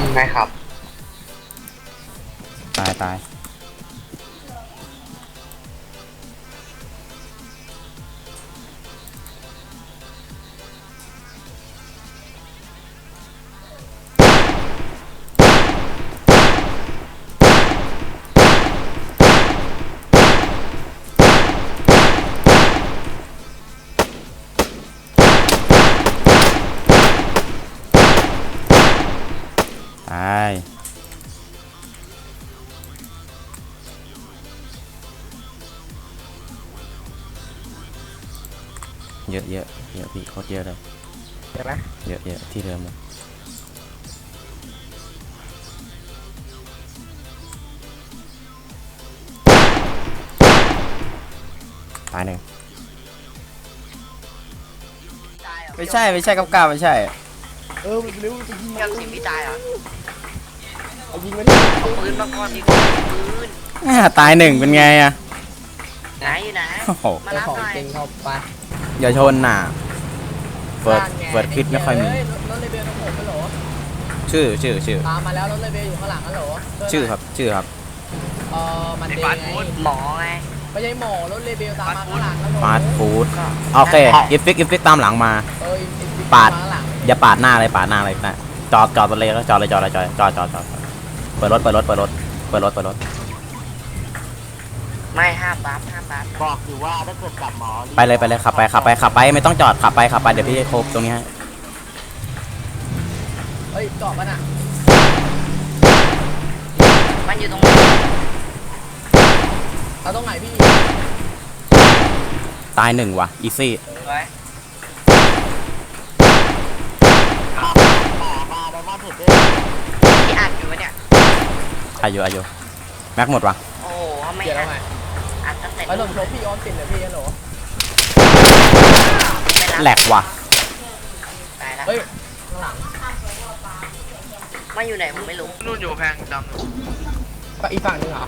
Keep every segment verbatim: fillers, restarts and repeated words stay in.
ได้ครับตายตายตายเยอะเยอะเยอะพี่โคตรเยอะเลยเห็นไหมเยอะเยอะที่เดิมเลยตายหนึ่งไม่ใช่ไม่ใช่กับกาไม่ใช่เออมันเร็วไปยิงยังสิพี่ตายเหรอเอายิงมาดิเอาปืนมาก่อนดีกว่าปืนอ่าตายหนึ่งเป็นไงอะไหนอยู่ไหนโอ้โหมาไอ้รับของหน่อยจริงเข้าไปอย่าชนน่ะเฟิร์สเฟิร์สคิดไม่ค่อยมีรถเลเบลต้องผมฮัลโหลชื่อชื่อชื่อตามมาแล้วรถเลเบลอยู่ข้างหลังฮัลโหลชื่อครับชื่อครับเออมันเดย์ไงหมอไงไม่ใช่หมอรถเลเบลตามมาข้างหลังฮัลโหลฟาสต์ฟู้ดโอเคอิฟฟิกอิฟฟิกตามหลังมาเออปาดข้างหลังอย่าปาดหน้าเลยปาดหน้าเลยนะจอดจอดเลยแล้วจอดเลยจอดเลยจอดจอดจอดจอดเปิดรถเปิดรถเปิดรถเปิดรถเปิดรถไม่ห้ามบัฟห้ามบัฟบอกอยู่ว่าถ้าเกิดกลับหมอไปเลยไปเลยขับไปขับไปขับไปไม่ต้องจอดขับไปขับไปเดี๋ยวพี่โคบตรงนี้ให้เฮ้ยจอดป่ะน่ะมันอยู่ตรงไหนเอาตรงไหนพี่ตายหนึ่งว่ะอีซี่ไว้มามาไดมอนด์เห็ดด้วยที่อัดอยู่วะเนี่ยอายุอายุแม็กหมดวะโอ้โหเขาไม่เดี๋ยวอัเราดไงอัดตั้งแต่ไอ้หลบชกพี่ออมสินเหรอพี่ฮัลโหลไม่รับแหลกว่ะตายแล้วเฮ้ยข้างหลังมันอยู่ไหนผมไม่รู้นู่นอยู่กำแพงดำนู่นก็อีกฝั่งนึงเหรอก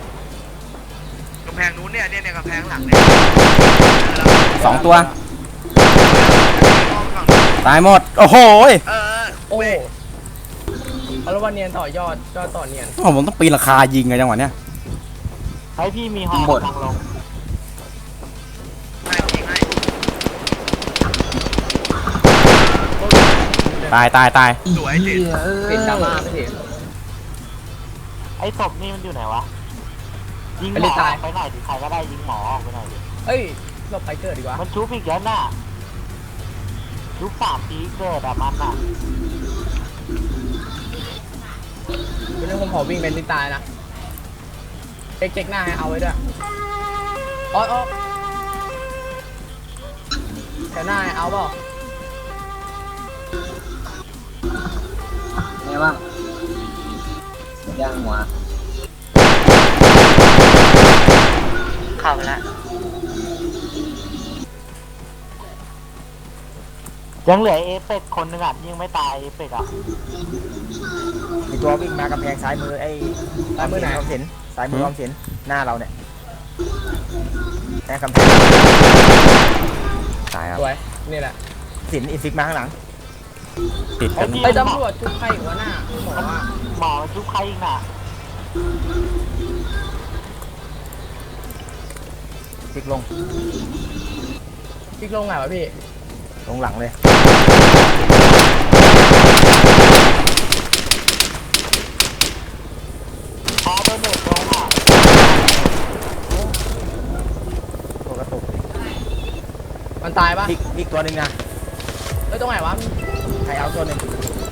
ำแพงนู้นเนี่ยเนี่ยเนี่ยกำแพงหลังเนี่ยสองตัวตายหมดโอ้โหเออโอ้เอาละวันเนียนต่อยอดยอดต่อเนียนผมต้องปีนราคายิงไงจังหวะเนี้ยให้พี่มีหอกำลังลงไม่ยิงให้ตายตายตายสวยจิตปิดดราม่าไม่ถึงไอ้ศพนี่มันอยู่ไหนวะยิงหไปมเลยอตายไปหน่อยดิใครก็ได้ยิงหมอออกไปหน่อยดิเฮ้ยเราไปเกิดดีกว่ามันชุบอีกแล้วน่ะชุบสามทีเกิดอะมันน่ะเป็นเรื่องผมขอวิ่งเป็นที่ตายนะเจ๊กเจ๊กหน้าให้เอาไว้ด้วยออดออกแถวหน้าให้เอาเปล่าไงบ้างย่างหัวเข้าไปแล้วยังเหลือเอฟเฟกต์คนหนึงอ่ะยังไม่ตายเอฟเฟกต์อ่ะมีตัววิ่งมากำแพงซ้ายมือไอ้ตายมือไหนออมสินซ้ายมือออมสินหน้าเราเนี่ยแค่กำแพงตายครับสวยนี่แหละสินอินฟิกมาข้างหลังติดกันไปตำรวจชุบใครอีกวะหน้าหมอว่าหมอมันชุบใครอีกน่ะพลิกลงพี่ลงไหนวะพี่ลงหลังเลยพอโดนเด็กลงอ่ะตัวกระตุกมันตายปะพลิกพลิกตัวหนึ่งนะเอ้ยตรงไหนวะใครเอาตัวหนึ่ง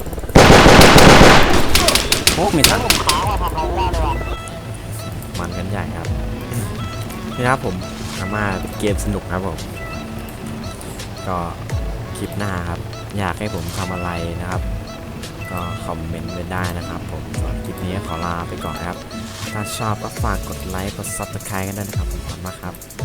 โอ้มีทันผมค้างว่าทำอะไรไม่ได้เลยว่ะมันกันใหญ่ครับนี่ครับผมอาม่าเกมสนุกครับผมก็คลิปหน้าครับอยากให้ผมทำอะไรนะครับ ก็คอมเมนต์ไว้ได้นะครับผมสำหรับคลิปนี้ขอลาไปก่อนครับถ้าชอบก็ฝากกดไลค์กด ซับสไครบ์ กันด้วยนะครับขอบคุณมากครับ